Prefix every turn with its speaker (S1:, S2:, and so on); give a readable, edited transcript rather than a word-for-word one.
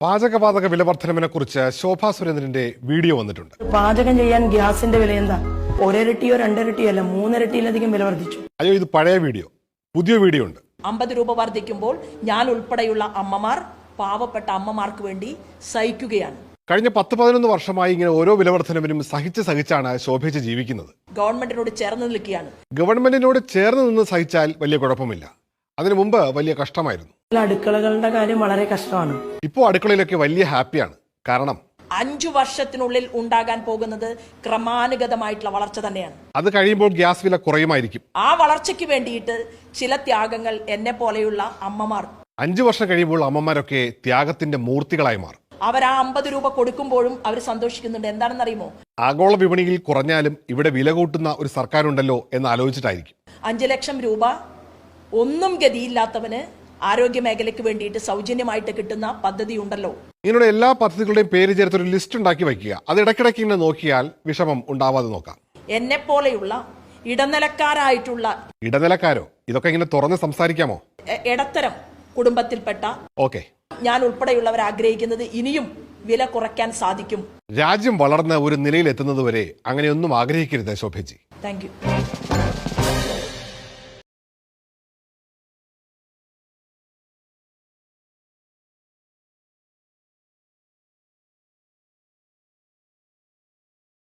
S1: പാചകവാതക വില വർധനവിനെ കുറിച്ച് ശോഭാ സുരേന്ദ്രന്റെ വീഡിയോ വന്നിട്ടുണ്ട്.
S2: പാചകം ചെയ്യാൻ ഗ്യാസിന്റെ വില എന്താ? ഒരിരട്ടിയോ രണ്ടിരട്ടിയോ അല്ല, മൂന്നിരട്ടിയിലധികം വില വർദ്ധിച്ചു.
S1: അയ്യോ, ഇത് പഴയ വീഡിയോ. പുതിയ വീഡിയോ ഉണ്ട്.
S3: 50 രൂപ വർദ്ധിക്കുമ്പോൾ ഞാൻ ഉൾപ്പെടെയുള്ള അമ്മമാർ, പാവപ്പെട്ട അമ്മമാർക്ക് വേണ്ടി സഹിക്കുകയാണ്.
S1: കഴിഞ്ഞ 10-11 വർഷമായി ഇങ്ങനെ ഓരോ വില വർധനവിനും സഹിച്ചാണ് ശോഭിച്ച് ജീവിക്കുന്നത്.
S3: ഗവൺമെന്റിനോട് ചേർന്ന് നിൽക്കുകയാണ്.
S1: ഗവൺമെന്റിനോട് ചേർന്ന് നിന്ന് സഹിച്ചാൽ വലിയ കുഴപ്പമില്ല. അതിനു മുമ്പ് വലിയ കഷ്ടമായിരുന്നു.
S2: അടുക്കളകളുടെ കാര്യം വളരെ കഷ്ടമാണ്.
S1: ഇപ്പോൾ അടുക്കളയിലൊക്കെ വലിയ ഹാപ്പിയാണ്. കാരണം
S3: 5 വർഷത്തിനുള്ളിൽ ഉണ്ടാകാൻ പോകുന്നത് ക്രമാനുഗതമായിട്ടുള്ള വളർച്ച തന്നെയാണ്.
S1: അത് കഴിയുമ്പോൾ ഗ്യാസ് വില കുറയുമായിരിക്കും.
S3: ആ വളർച്ചയ്ക്ക് വേണ്ടിയിട്ട് ചില ത്യാഗങ്ങൾ എന്നെ പോലെയുള്ള അമ്മമാർ
S1: 5 വർഷം കഴിയുമ്പോൾ അമ്മമാരൊക്കെ ത്യാഗത്തിന്റെ മൂർത്തികളായി മാറും.
S3: അവർ ആ 50 രൂപ കൊടുക്കുമ്പോഴും അവർ സന്തോഷിക്കുന്നുണ്ട്. എന്താണെന്ന് അറിയുമോ?
S1: ആഗോള വിപണിയിൽ കുറഞ്ഞാലും ഇവിടെ വില കൂട്ടുന്ന ഒരു സർക്കാരുണ്ടല്ലോ എന്ന് ആലോചിച്ചിട്ടായിരിക്കും.
S3: 5 ലക്ഷം രൂപ ഒന്നും ഗതിയില്ലാത്തവന് ആരോഗ്യ മേഖലയ്ക്ക് വേണ്ടിയിട്ട് സൗജന്യമായിട്ട് കിട്ടുന്ന പദ്ധതി ഉണ്ടല്ലോ.
S1: ഇങ്ങനെയുള്ള എല്ലാ പദ്ധതികളുടെയും പേര് ചേർത്തൊരു ലിസ്റ്റ് ഉണ്ടാക്കി വയ്ക്കുക. അത് ഇടയ്ക്കിടയ്ക്ക് ഇങ്ങനെ നോക്കിയാൽ വിഷമം ഉണ്ടാവാതെ നോക്കാം.
S3: എന്നെ പോലെയുള്ള
S1: ഇടനിലക്കാരോ? ഇതൊക്കെ ഇങ്ങനെ തുറന്ന് സംസാരിക്കാമോ?
S3: ഇടത്തരം കുടുംബത്തിൽപ്പെട്ട
S1: ഓക്കെ,
S3: ഞാൻ ഉൾപ്പെടെയുള്ളവർ ആഗ്രഹിക്കുന്നത് ഇനിയും വില കുറയ്ക്കാൻ സാധിക്കും.
S1: രാജ്യം വളർന്ന് ഒരു നിലയിൽ എത്തുന്നത് വരെ അങ്ങനെയൊന്നും ആഗ്രഹിക്കരുത് ശോഭജി.
S3: Thank you.